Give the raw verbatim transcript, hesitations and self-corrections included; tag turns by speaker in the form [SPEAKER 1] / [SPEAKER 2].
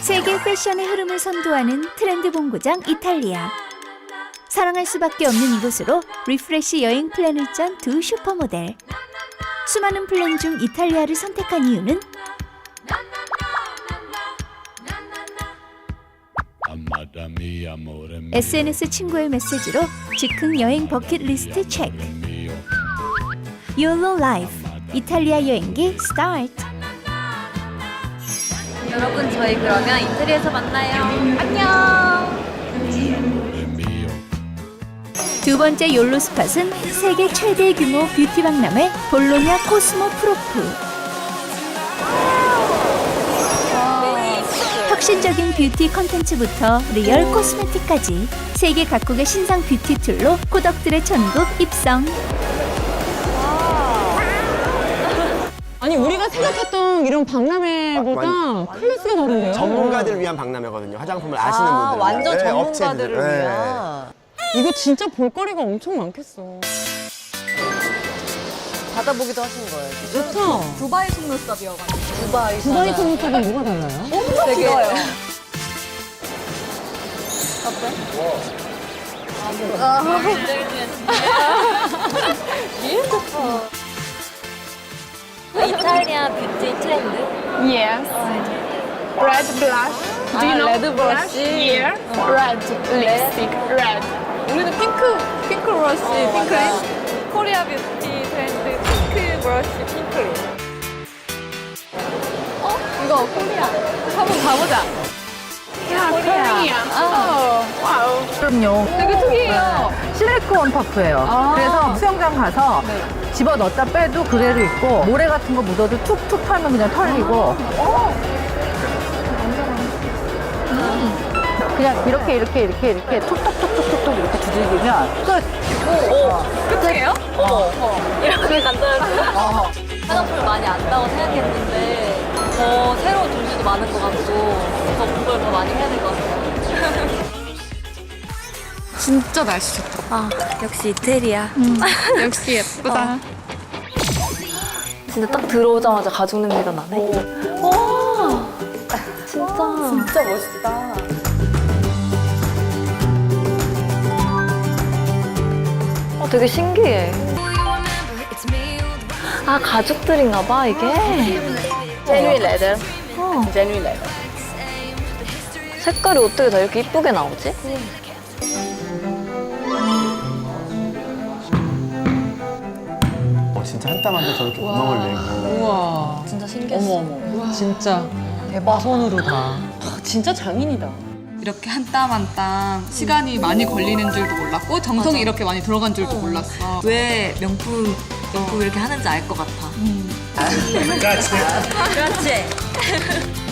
[SPEAKER 1] 세계 패션의 흐름을 선도하는 트렌드 본고장 이탈리아. 사랑할 수밖에 없는 이곳으로 리프레시 여행 플랜을 짠 두 슈퍼모델. 수많은 플랜 중 이탈리아를 선택한 이유는 에스엔에스 친구의 메시지로 즉흥 여행 버킷리스트 체크. YOLO Life 이탈리아 여행기 스타트.
[SPEAKER 2] 여러분, 저희 그러면 이태리에서 만나요. 안녕.
[SPEAKER 1] 두 번째 욜로 스팟은 세계 최대 규모 뷰티 박람회 볼로냐 코스모 프로프. 혁신적인 뷰티 컨텐츠부터 리얼 코스메틱까지 세계 각국의 신상 뷰티 툴로 코덕들의 천국 입성.
[SPEAKER 3] 아니 우리가 생각했던 이런 박람회보다
[SPEAKER 4] 완-
[SPEAKER 3] 클래스가 다른데요?
[SPEAKER 4] 전문가들을 위한 박람회거든요. 화장품을 아시는
[SPEAKER 5] 아,
[SPEAKER 4] 분들.
[SPEAKER 5] 완전
[SPEAKER 4] 네,
[SPEAKER 5] 전문가들을
[SPEAKER 4] 업체들. 네.
[SPEAKER 5] 위한.
[SPEAKER 3] 이거 진짜 볼거리가 엄청 많겠어.
[SPEAKER 5] 받아보기도 하신 거예요.
[SPEAKER 3] 좋다.
[SPEAKER 2] 두바이 속눈썹이어가지고.
[SPEAKER 5] 두바이
[SPEAKER 3] 두바이 속눈썹은 뭐가 달라요?
[SPEAKER 5] 엄청
[SPEAKER 2] 되게-
[SPEAKER 5] 길어요.
[SPEAKER 2] 이탈리아 뷰티 트렌드.
[SPEAKER 6] Yes. Red blush. Do you know
[SPEAKER 2] red blush?
[SPEAKER 6] Yeah. Red lipstick. Red.
[SPEAKER 2] 우리는 핑크, 핑크 브러쉬, 핑크립. 코리아 뷰티 트렌드 핑크 브러쉬, 핑크립. 어? 이거 코리아. 한번 가보자.
[SPEAKER 6] Korea. Oh. Wow.
[SPEAKER 7] 그럼요.
[SPEAKER 2] 되게 특이해요.
[SPEAKER 7] 실리콘 퍼프예요. 그래서 수영장 가서 집어 넣었다 빼도 그대로 있고 모래 같은 거 묻어도 툭툭 털면 그냥 털리고. 음. 그냥 이렇게 이렇게 이렇게 이렇게 툭툭툭툭툭 이렇게 두들기면 끝.
[SPEAKER 2] 끝이에요? 어머, 어머. 이렇게 간단하고. 화장품을 많이 안다고 생각했는데 더 새로운 종류도 많은 것 같고 더 공부를 더 많이 해야 될 것 같아요.
[SPEAKER 6] 진짜 날씨 좋다.
[SPEAKER 2] 아, 역시 이태리야.
[SPEAKER 6] 역시 예쁘다.
[SPEAKER 2] 근데 딱 들어오자마자 가죽 냄새가 나네. 와, 진짜. 진짜 멋있다. 어, 되게 신기해. 아, 가죽들인가 봐, 이게.
[SPEAKER 5] Genuine leather.
[SPEAKER 2] 어.
[SPEAKER 5] Genuine leather.
[SPEAKER 2] 색깔이 어떻게 다 이렇게 이쁘게 나오지?
[SPEAKER 4] 어, 진짜 한 땀 한 땀 저렇게 구멍을 내고.
[SPEAKER 3] 우와.
[SPEAKER 2] 진짜 신기했어.
[SPEAKER 3] 어머 어머. 진짜 대박. 손으로 다. 아, 진짜 장인이다.
[SPEAKER 6] 이렇게 한 땀 한 땀 시간이 많이 걸리는 줄도 몰랐고 정성이 이렇게 많이 들어간 줄도 몰랐어.
[SPEAKER 2] 왜 명품, 명품 이렇게 하는지 알 것 같아.
[SPEAKER 4] 그렇지.
[SPEAKER 2] 그렇지.